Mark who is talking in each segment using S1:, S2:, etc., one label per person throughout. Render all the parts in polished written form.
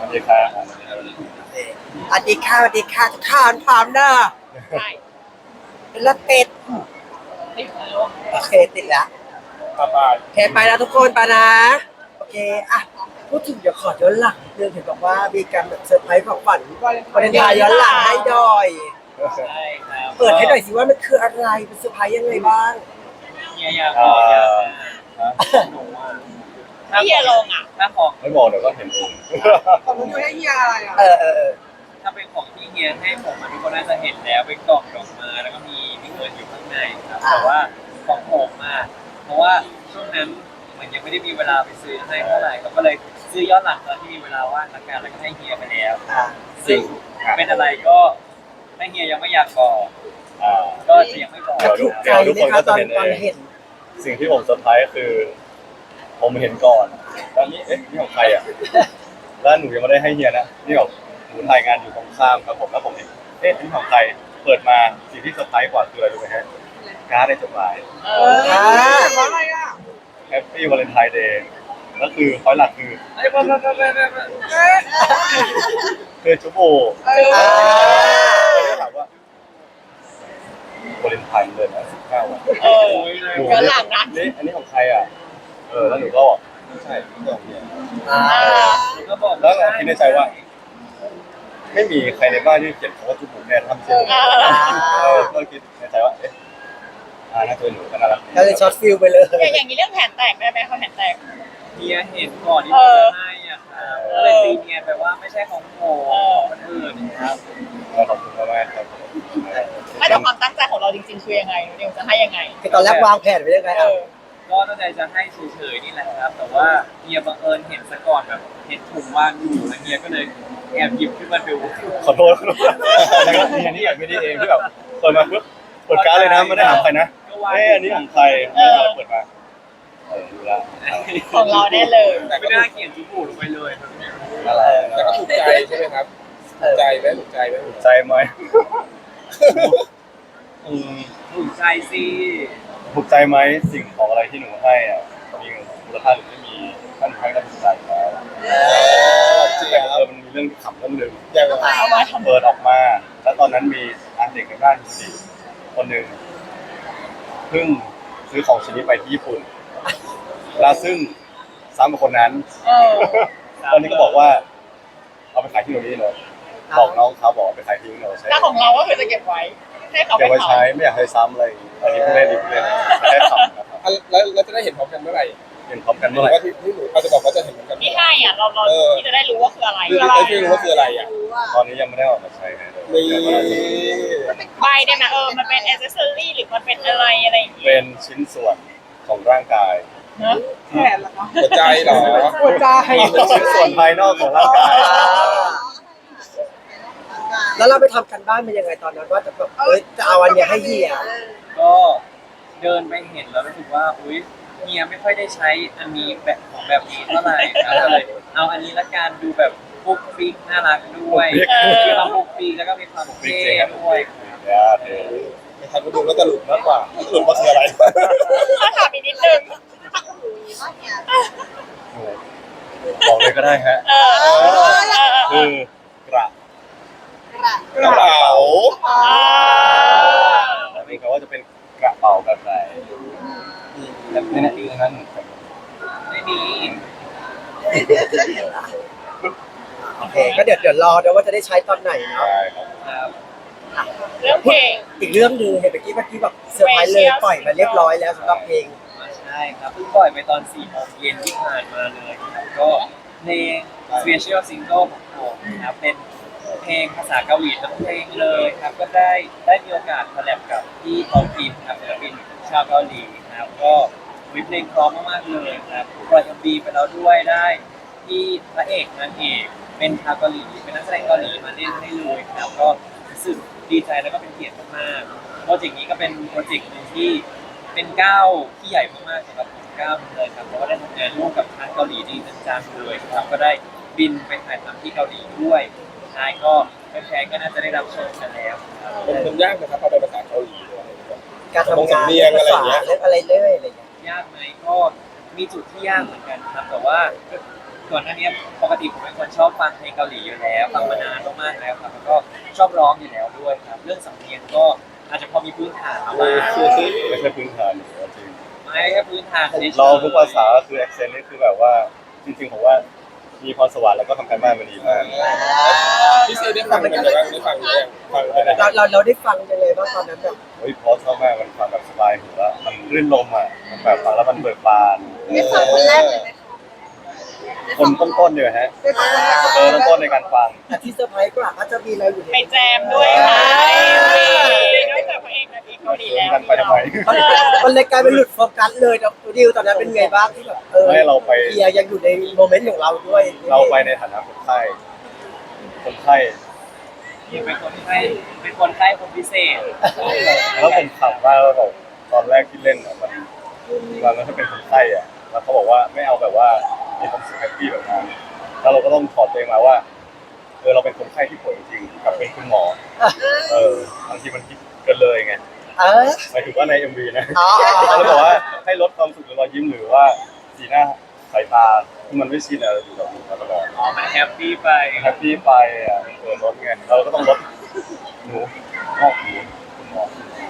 S1: ดีครับ
S2: สวัสดีค่ะสวัสดีค่ะทุกท่านพร้อมเนอะ
S3: ใช่
S2: แล้วติด
S3: ติดแล้ว
S2: โอเคติดแล้ว
S1: บ๊ายบาย
S2: โอเคไปแล้วทุกคนไปนะโอเคอ่ะพูดถึงเดี๋ยวขอย้อนหลังนิดนึงเห็นบอกว่ามีการแบบเซอร์ไพรส์ของขวัญวันเลนไทน์ย้อนหลังให้ดอย
S3: ใช่ครับ
S2: เปิดให้หน่อยสิว่ามันคืออะไรเป็นเซอร์ไพรส์ยังไงบ้าง
S3: เฮียอยากบอกอยากหนูอ่ะถ้าเฮียลงอ่ะถ้าของ
S1: ไม่บอกเดี๋ยวก็เห็นเอง
S2: ของมึงอยู่ให้เฮียอะไรอ่ะเออ
S3: ถ้าเป็นของที่เฮียให้ผมทุกคนน่าจะเห็นแล้วเป็นกล่องดอกไม้แล้วก็มีเงินอยู่ข้างในครับแต่ว่าของผมอ่ะเพราะว่าช่วงนั้นมันยังไม่ได้มีเวลาไปซื้อให้เท่าไหร่ก็เลยซื้อย้อนหลังตอนที่มีเวลาว่างละกันแล้วก็ให้เฮียไปแล้ว
S2: อ่ะ
S3: ซึ่งเป็นอะไรก็ถ้าเฮียยังไม่อยากบอก
S1: อ่า
S3: ก็จะยังไม่บอก
S2: ถูกใจไหมคะตอนเห็น
S1: สิ่งที่ผมเซอร์ไพรส์คือ ผมเห็นก่อนแล้วนี่นี่ของใครอ่ะแล้วหนูยังไม่ได้ให้เฮียนะนี่ของหนูถ่ายงานอยู่ตรงข้ามครับผมแล้วผมเห็นนี่ของใครเปิดมาสิ่งที่เซอร์ไพรส์กว่าคืออะไรรู้ไหมฮะการ์ดในจดหมาย
S2: อ่า
S1: Happy Valentine Day แล้วคือพอยหลักคือคือจุ๊บโบถามว่าวาเลนไทน์เลยนะ19 วัน
S3: ย้อนหลังนะ
S1: นี่อันนี้ของใครอ่ะแล้วหนูก็บอกไม่ใช่ไม่ใช่ของเฮีย
S2: อ่า
S3: ก็บอก
S1: แล้วเราคิดในใจว่า ไม่มีใครในบ้านที่เขียนคำว่าจุ๊บผมแน่ทำเช่นก็คิดในใจว่าน่าจะเป็นหนูก็น่ารัก
S2: ก็เลยช็อตฟิลไปเลย
S3: อย่างนี้เรื่องแผนแตกได้ไหมเขาแผนแตกเฮียเห็นก่อนที่ผมจะให้อ่ะครับก็เลยตีเฮียไปว่าไม่ใช่ของผมของคนอื่นนะครับ
S1: ขอบคุณมากๆครับ
S4: ไม่แต่ความตั้งใจของเราจริงๆคือยังไงนิวจะให้ยังไง
S2: คือตอนแรกวางแผนไว้ยังไงอ่ะ
S3: ก็ตั้งใจจะให้เฉยๆนี่แหละครับ แต่ว่าเฮียบังเอิญเห็นซะก่อนแบบเห็นถุงว่างอยู่แล้วเฮียก็เลยแอบหยิบขึ้นมาดู
S1: ขอโทษแล้วก็นี่อยากไม่ได้เองที่แบบเปิดมาปุ๊บเปิดการ์ดเลยนะไม่ได้ถามใครนะอันนี้ของใครเปิดมาดูแล้ว
S4: ของเราแน่เลย
S3: แต่ไม่น่าเขียนจุบูลงไปเลย
S1: อะไร
S5: แต่ก็ถูกใจใช่ไหมครับถูกใจไหมถูกใจไหม
S1: ใจไหม
S3: ถูกใจสิ
S1: ถูกใจไหมสิ่งของอะไรที่หนูให้อ่ะมีมูลค่าหรือไม่มีท่านให้ก็ถูกใจแล้วแต่มันมีเรื่องขำเรื่องหนึ่ง
S5: อย่างไร
S4: เอามาทำ
S1: เปิดออกมาแล้วตอนนั้นมีเด็กในบ้านคนหนึ่งเพิ่งซื้อของชิ้นนี้ไปที่ญี่ปุ่นแล้วซึ่งซ้ำกับคนนั้นตอนนี้ก็บอกว่าเอาไปขายที่โน่นนี่เลยบอกน้องเขาบอกไปขายที่โน่นใช่
S4: แล้วของเราก็คือจะเก็บไว้ให้เขา
S1: เก็บ
S4: ไป
S1: ไว้
S4: เผา
S1: ใช้ไม่อยากให้ซ้ำอะไรอันนี้ผู้เล่นดีผู้เล่นแค่ขำนะครับ
S5: แล้วจะได้เห็นพร้อมกันเมื่อไหร่
S1: เห็นพร้อมกัน
S5: ห
S1: เมื่
S5: รือ อ
S1: ไหร่
S5: ว่าที่หนูเขาจะบอกว่าจะเห็นพร้อมกัน
S4: ที่ให้อ่ะเราที่จะได้รู้ว่าคืออะไร
S5: ที่รู้ว่าคืออะไรอ่ะ
S1: ตอนนี้ยังไม่ได้ออกมาใช้นะ
S5: นี่
S4: ใบได้ไหมมันเป็นแอ c เซสซอรี่หรือมันเป็นอะไรอะไรอย่างเงี้ย
S1: เป็นชิ้นส่วนของร่างกาย
S4: เนอะ
S5: หัวใจเหรอ
S2: หัวใจ
S1: เป็นชิ้นส่วนภายนอกของร่างกาย
S2: แล้วเราไปทำกันบ้านเป็นยังไงตอนนั้นว่าจะแบบจะเอาอันเนี้ยให้เฮีย
S3: ก็เดินไปเห็นแล้วรู้สึกว่าอุ๊ยเฮียไม่ค่อยได้ใช้อันนี้แบบของแบบนี้เท่าไหร่ก็เลยเอาอันนี้ละกันดูแบบปุ๊กปิ๊กน่ารักด้วยมีความปุ๊กปิ๊กแล้วก็มีความ
S1: จริ
S3: เท่
S1: งๆครับ
S3: ด้วย
S5: ไม่ทันก็ดูแล้วจะหลุดมากกว่าหลุดว่าคืออะไร
S4: ถ้าถามอีกนิดนึง
S1: บอกเลยก็ได้ฮะ คือกระ
S5: กระเป๋า
S1: แต่ไม่รู้ว่าจะเป็นกระเป๋าแบบไหนแต่ไม่แน่ใจนั้น
S3: ไม่มี
S2: โอเคก็เดี๋ยวรอเดี๋ยวว่าจะได้ใช้ตอนไหนเนาะ
S1: ใช่ครับ
S3: ครับ
S4: เรื่องเพลง
S2: อีกเรื่องหนึ่งเห็นเมื่อกี้แบบเซอร์ไพรส์เลยปล่อยมาเรียบร้อยแล้วสำหรับเพลง
S3: ใช่ครับเพิ่งปล่อยไปตอน4 โมงเย็นที่ผ่านมาเลยครับก็เพลง Special Single ของผมนะครับเป็นเพลงภาษาเกาหลีทั้งเพลงเลยครับก็ได้มีโอกาสคอลแลบกับพี่ทองพิมครับศิลปินชาวเกาหลีนะครับก็มีเพลงพร้อมมากๆเลยครับปล่อย MV ไปแล้วด้วยได้ที่พระเอกนางเอกเป็นชาวเกาหลีเป็นนักแสดงเกาหลีมาเล่นให้เลยครับก็รู้สึกดีใจแล้วก็เป็นเกียรติมากๆโปรเจกต์นี้ก็เป็นโปรเจกต์หนึ่งที่เป็นก้าวที่ใหญ่มากๆสำหรับผมก้าวหนึ่งเลยครับเพราะว่าได้ทำงานร่วมกับทางเกาหลีจริงจังๆเลยครับก็ได้บินไปถ่ายทำที่เกาหลีด้วยสุดท้ายก็แฟนๆก็น่าจะได้รับชมกันแล้วครับ
S5: มันยากนะครับพอเป็นภาษาเกาหลี
S2: การทำงานเรื่องภาษาเรื่องอะไรเรื่อยอะไรอย่างเงี้ย
S3: ยากไหมก็มีจุดที่ยากเหมือนกันครับแต่ว่าก่อนหน้านี้ปกติผมเป็นคนชอบฟังเพลงเกาหลีอยู่แล้วฟังมานานมากๆแล้วครับแล้วก็ชอบร้องอยู่แล้วด้วยครับเรื่องสำเนียงก็อาจจะพอมีพื้นฐานมาบ้าง
S1: ไม่ใช่พื้นฐานจริง
S3: ไม่แค่พื้นฐานเฉยๆ
S1: เราทุกภาษาก็คือ accent นี่คือแบบว่าจริงๆผมว่ามีพรสวรรค์แล้วก็ทำการบ้านมาดีมาก
S5: พี่ซีได้ฟังมันแบบว่าได้ฟังหรือยังฟังไปไหน
S2: เราได้ฟังยังไงบ้างตอนนั้นแบบ
S1: เฮ้ยเพราะชอบมากมันฟังแบบสบายหูว่ามันรื่นลมอ่ะมันแบบฟังแล้วมันเบิกบาน
S4: ได้ฟังคนแรกเลยไหมคะ
S1: คนต้นๆเนี่ยฮะ
S4: ได้ฟังคนแรก
S1: ต้นในการฟัง
S2: แต่ที่เซอร์ไพรส์กว่าก็จะมีเราอยู่ใน
S4: ไปแจมด้วยค่ะนอกจากพระเอกนางเอกเกาหลีแล้ว
S1: กันไปทำไม
S2: มันเลยกลายเป็นหลุดโฟกัสเลยดิวตอนนั้นเป็นไงบ้างที่แบบ
S1: ไม่เราไป
S2: เฮียยังอยู่ในโมเมนต์ของเราด้วย
S1: เราไปในฐานะคนไข้คนไข้
S3: เป็นคนไข้คนพิเศษ
S1: แล้วผมถามว่าแบบตอนแรกที่เล่นอ่ะมันถ้าเป็นคนไข้อ่ะแล้วเขาบอกว่าไม่เอาแบบว่ามีความสุขแฮปปี้แบบนั้นแล้วเราก็ต้องถอดตัวเองมาว่าเราเป็นคนไข้ที่ป่วยจริงๆกับเป็นคุณหมอบางทีมันคิดเกินเลยไง หมายถึงว่าใน MV นะเขาบอกว่าให้ลดความสุขหรือรอยยิ้มหรือว่าสีหน้าสายตาที่มันไม่ชินอะไรอยู่กับเราตลอด
S3: อ๋อมันแฮปปี้ไป
S1: แฮปปี้ไปอ่ะลดไงเราก็ต้องลดหนูงอกหูคุณหมอ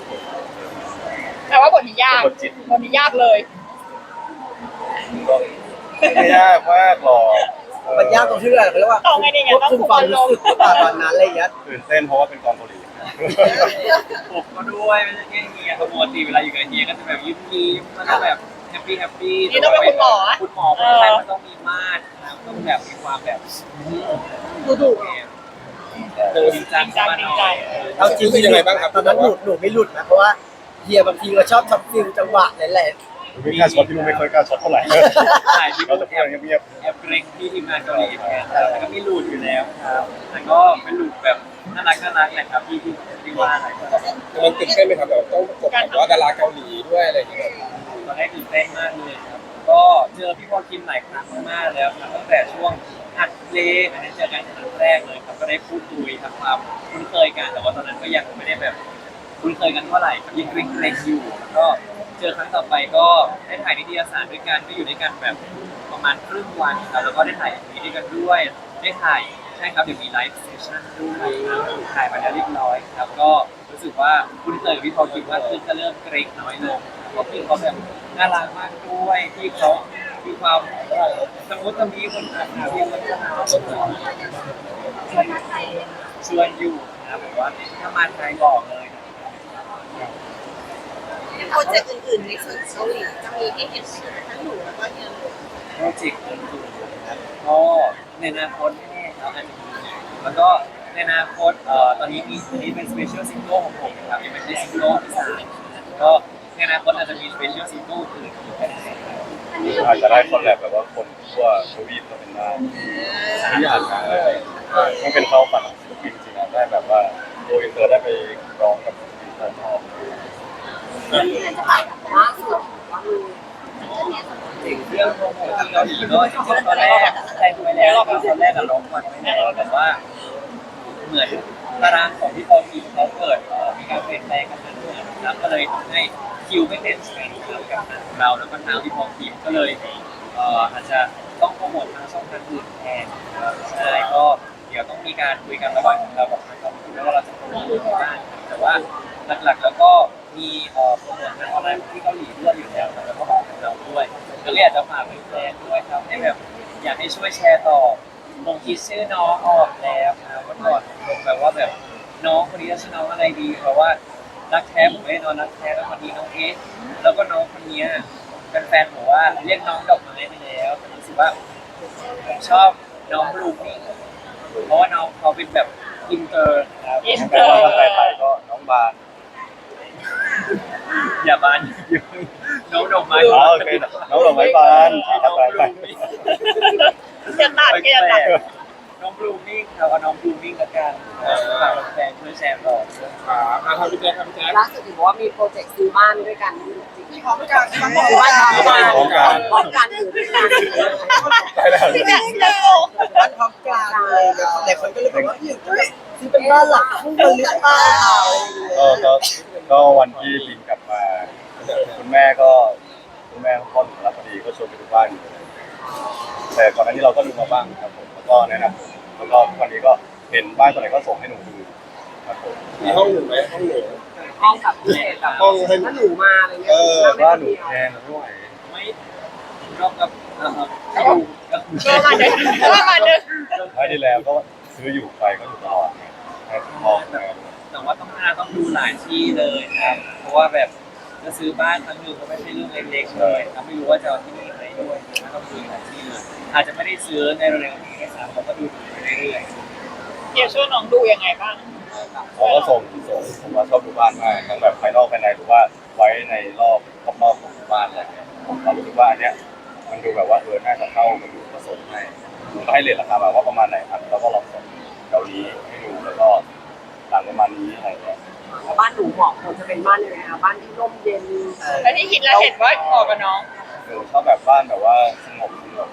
S4: แต่ว่าบทนี้ยาก
S1: กดจิต
S4: บทนี้ยากเลย
S1: ก็ไม่ยากมากหรอก
S2: มันยากตรงที่อะไรเขาเรียกว่าควบคุมความรู้สึกตอนนั้นอะไรอย่างเงี้ย
S1: ตื่นเต้นเพราะว่าเป็นกองเกาหลี
S3: ผมก็ด้วยไม่ใช่แค่เฮียปกติเวลาอยู่กับเฮียก็จะแบบยิ้มๆแล้วก็แบบแฮปปี้
S4: นี่ต้องเป็นคุณหมอ
S3: คุณหมอคนไข้มันต้องมีมาตรนะต้องแบบมีความแบบ
S4: ดูดุ
S3: จริงจังมาหน่อย
S2: เอาจริงตอนนั้นหนูไม่หลุดนะเพราะว่าเฮียบางทีก็ชอบช็อตฟิลจังหวะแหละ
S1: ไม่กล้าช็อตที่นู่นไม่ค่อยกล้าช็อตเท่าไหร่
S3: ถ่ายที่
S1: เราจะพูดเงียบ
S3: แอบเกรงที่ทีมงานเกาหลีเหมือนกันแต่ก็ไม่หลุดอยู่แล้วครับแต่ก็เป็นหลุดแบบน่ารักแหละครับที่ว่าอะไร
S5: มันตื่นเต้นไหมครับแบบต้องประกบกับว่าดาราเกาหลีด้วยอะไรอย่างเงี้ย
S3: ตอนแรกตื่นเต้นมากเลยครับก็เจอพี่พอลคิมหลายครั้งมากแล้วครับตั้งแต่ช่วงอัดเพลงอันนี้เจอกันครั้งแรกเลยครับก็ได้พูดคุยทำความคุ้นเคยกันแต่ว่าตอนนั้นก็ยังไม่ได้แบบคุ้นเคยกันเท่าไหร่ครับยังเกรงๆอยู่แล้วก็เจอครั้งต่อไปก็ได้ถ่ายนิตยสารด้วยกันก็อยู่ด้วยกันแบบประมาณครึ่งวันครับแล้วก็ได้ถ่ายมีด้วยกันด้วยได้ถ่ายใช่ครับเดี๋ยวมีไลฟ์เซสชั่นด้วยครับถ่ายมาแล้วเรียบร้อยครับก็รู้สึกว่าคุ้นเคยกับพี่พอลคิมมากขึ้นก็เริ่มเกรงน้อยลงเพราะพี่เขาแบบน่ารักมากด้วยที่เขามีความสมมติจะมีคนอ่านข่าวที่มันชวนอยู่นะแบบว่าถ้ามาไทยบอกเลย
S4: โปรเจกต์อื่นๆในส่วนเกาหลีจะมีให้เห็นทั้งหนูแล้วก็เฮียเลย
S3: โปรเจกต์อื่นๆนะครับก็ในอนาคตแน่ๆครับอาจจะมีแล้วก็ในอนาคตตอนนี้เป็นสเปเชียลซิงเกิลของผมนะครับยังไม่ใช่ซิงเกิลที่สามก็ในอนาคตอาจจะมีสเปเชียลซิงเกิลอื่นอีกก็ได้
S1: อาจจะได้คอลแลบแบบว่าคนทั่วทวีปก็เป็นได้ที่อยากนะมันเป็นความฝันของศิลปินจริงๆนะได้แบบว่าโดยอินเตอร์ได้ไปร้องกับศิลปินต่างชาติ
S3: สิ่งเรื่องโปรโมทที่เกาหลีก็จริงๆตอนแรกแทนไปแล้วตอนแรกอะร้องมันไว้แล้วแต่ว่าเหมือนตารางของพี่พอลคิมเขาเกิดมีการเปลี่ยนแปลงกันมาด้วยนะครับก็เลยทำให้คิวไม่เป็นสกันกับทางเราแล้วก็ทางพี่พอลคิมก็เลยอาจจะต้องโปรโมททางช่องทางอื่นแทนใช่ก็เดี๋ยวต้องมีการคุยกันระหว่างเรากับทางกองทุนว่าเราจะโปรโมทอะไรบ้างแต่ว่าหลักๆแล้วก็มีโปรโมททางออนไลน์ที่เกาหลีด้วยอยู่แล้วแล้วก็ของเราด้วยก็เลยอยากจะฝากแฟนๆด้วยครับให้แบบอยากให้ช่วยแชร์ต่อลงคิดชื่อน้องออกแล้วนะวันก่อนลงแบบว่าแบบน้องคนนี้จะชื่อน้องอะไรดีเพราะว่ารักแท้ผมไม่ได้นอนรักแท้แล้ววันนี้น้องเอสแล้วก็น้องคนนี้แฟนๆบอกว่าเรียกน้องดอกไม้ไปแล้วแต่รู้สึกว่าผมชอบน้องบลูมิ่งเพราะว่าน้องเขาเป็นแบบอินเตอร์ครับ
S1: แปลว่าภาษาไทยก็น้องบาน
S3: อย่าบานน้องดอกไม้
S1: อ๋อโอเคน้องดอกไม้บานภาษาไทย
S4: จะตัดก็จะตัด
S3: น้องบลูมิ่งครับเอาน้องบลูมิ่งละกันฝากแฟนๆช่วยแชร์ต่อ
S5: ทำพี่แจ๊คทำพี่แจ๊ค
S6: ล่าสุดเห็นบอกว่ามีโปรเจกต์ซื้อบ้านด้วยกันจริงไหม
S4: พร้อมกัน
S6: ซื้อบ้านพร้อมกันพร้อมกันอยู่ด้วยกัน
S1: ได้แล้ว
S4: ที่เนี่ยที่เนี่ย
S2: บ้านพร้อมกลางเลยแต่คนก็เลยบอกว่าที่เป็นบ้านหลังคู่กันหรือเปล่า
S1: ก็วันที่บินกลับมาคุณแม่พ่อหนูรับพอดีก็ชวนไปดูบ้านอยู่เลยแต่ก่อนหน้านี้เราก็ดูมาบ้างครับผมแล้วก็แนะนำแล้วก็ทุกวันนี้ก็เห็นบ้านตัวไหนก็ส่งให้หนูดูครับผม
S5: มีห้องหนึ่งไหมห้องหนึ่ง
S6: ห้องกับพิเศษแบบ
S5: ห้องให้
S6: ถ้าหนูมาอะไรเงี้ย
S1: แต่ว่าหนูแพงนะไม่ไหว
S3: ไม่ก็กับก็ดูก็
S4: ก็มาเดินก็มาเดิน
S1: ไม่ได้แล้วก็ซื้ออยู่ไปก็อยู่ตลอดไงให้พอนะ
S3: แต่ว่าต้องดูหลายที่เลยครับ เพราะว่าแบบจะซื้อบ้านครั้งหนึ่งก็ไม่ใช่เรื่องเล็กๆเลยครับไม่รู้ว่าจะเอาที่นี่ไหนด้วยนะต้องซื้อหลายที่เลยอาจจะไม่ได้ซื้อในเร็วๆนี้นะครับเราก็ดูไปเรื่อยๆ
S4: เดี๋ยวช่วยน้องดูยังไงบ้าง
S1: เขาก็ส่งผมว่าชอบดูบ้านมากทั้งแบบภายนอกภายในหรือว่าไว้ในรอบรอบๆของบ้านอะไรเงี้ยผมรู้สึกว่าอันเนี้ยมันดูแบบว่าน่าจะเข้ามาดูผสมให้ผมก็ให้เรทราคามาว่าประมาณไหนครับแล้วก็ลองส่งเกาหลีให้ดูแล้วก็หลังประมาณนี้อะไรเงี้ย
S6: แล้วบ้านหนูเหมาะควรจะเป็นบ้านยังไงคะบ้านที่ร่มเย็น
S4: แล้วที่คิดแล้วเห็นว่าเหมาะกับน้อง
S1: ชอบแบบบ้านแบบว่าสงบ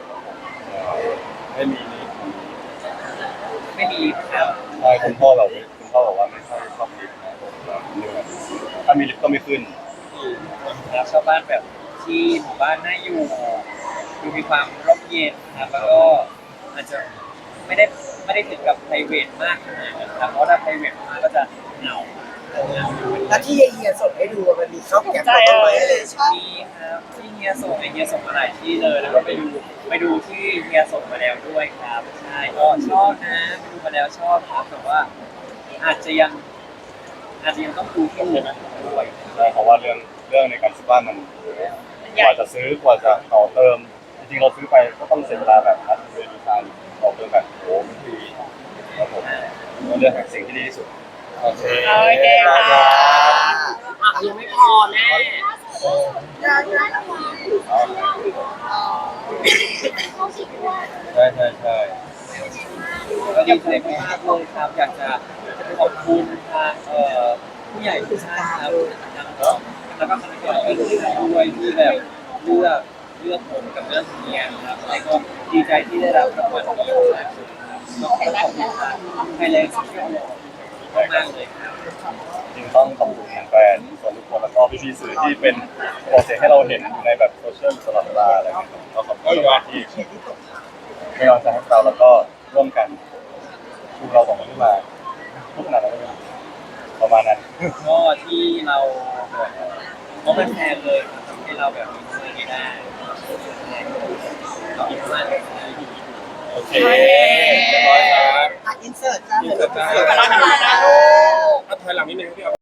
S1: ไม่มีนี้
S3: ไม่มีครับ
S1: ใช่คุณพ่อแบบคุณพ่อบอกว่าไม่ค่อยชอบลิฟต์นะผมแบบเหนื่อยถ้ามีลิฟต์ก็ไม่ขึ้น
S3: ครับชาวบ้านแบบที่หมู่บ้านน่าอยู่ดูมีความร่มเย็นครับแล้วก็อาจจะไม่ได้ถึงกับ private มากขนาดนั้นครับเพราะถ้า private มากก็จะเหงา
S2: แล้วที่เฮียส่งให้ดูมันมีข้าวแกงต้นไม้อะไร
S3: มีครับที่เฮียส่งเฮียส่งมาหลายที่เลยแล้วก็ไปดูที่เฮียส่งมาแล้วด้วยครับใช่ก็ชอบนะไปดูมาแล้วชอบครับแต่ว่าอาจจะยังต้องดูที่อื่นด้วย
S1: ใช่เพราะว่าเรื่องในการซื้อบ้านมันกว่าจะซื้อกว่าจะต่อเติมจริงๆเราซื้อไปก็ต้องเสียเวลาแบบนัดเรียนดีไซน์ต่อเติมแบบโอ้มันทีครับผมก็เลือกหาสิ่งที่ดีที่สุดโอเค
S4: โอเคค่ะ
S6: ยังไม่พอแน่
S1: ใช่ใช่ใช่
S3: ก็ดีใจมากเลยครับอยากจะขอบคุณทางผู้ใหญ่ทุกท่านครับแล้วก็คณะกรรมการด้วยที่แบบเลือกผมกับเลือกเฮียครับแล้วก็ดีใจที่ได้รับรางวัลนี้ครับก็ขอบคุณทางไทยแลนด์โซเชียลมากเลยครับ
S1: จริงต้องขอบคุณแฟนๆส่วนทุกคนแล้วก็พี่ๆสื่อที่เป็นโปรเซสให้เราเห็นอยู่ในแบบโซเชียลตลอดเวลาอะไรอย่างเงี้ยก็ขอบคุณมากที่เป็นกำลังใจให้เราแล้วก็ร่วมกันชูเราสองคนขึ้นมาทุกขนาดนั้นเลยประมาณนั้น
S3: ก็ที่เราเพราะมันแพงเลยทำให้เราแบบมีเงินไม่ได้ขอบคุณมากเลย
S5: โอเคเรียบร้อยครับ
S2: อินเสิร์ตจ้า
S5: มีเกิดได้
S4: ขอบคุณนะลูก
S5: ถอยหลังนิดนึงพี่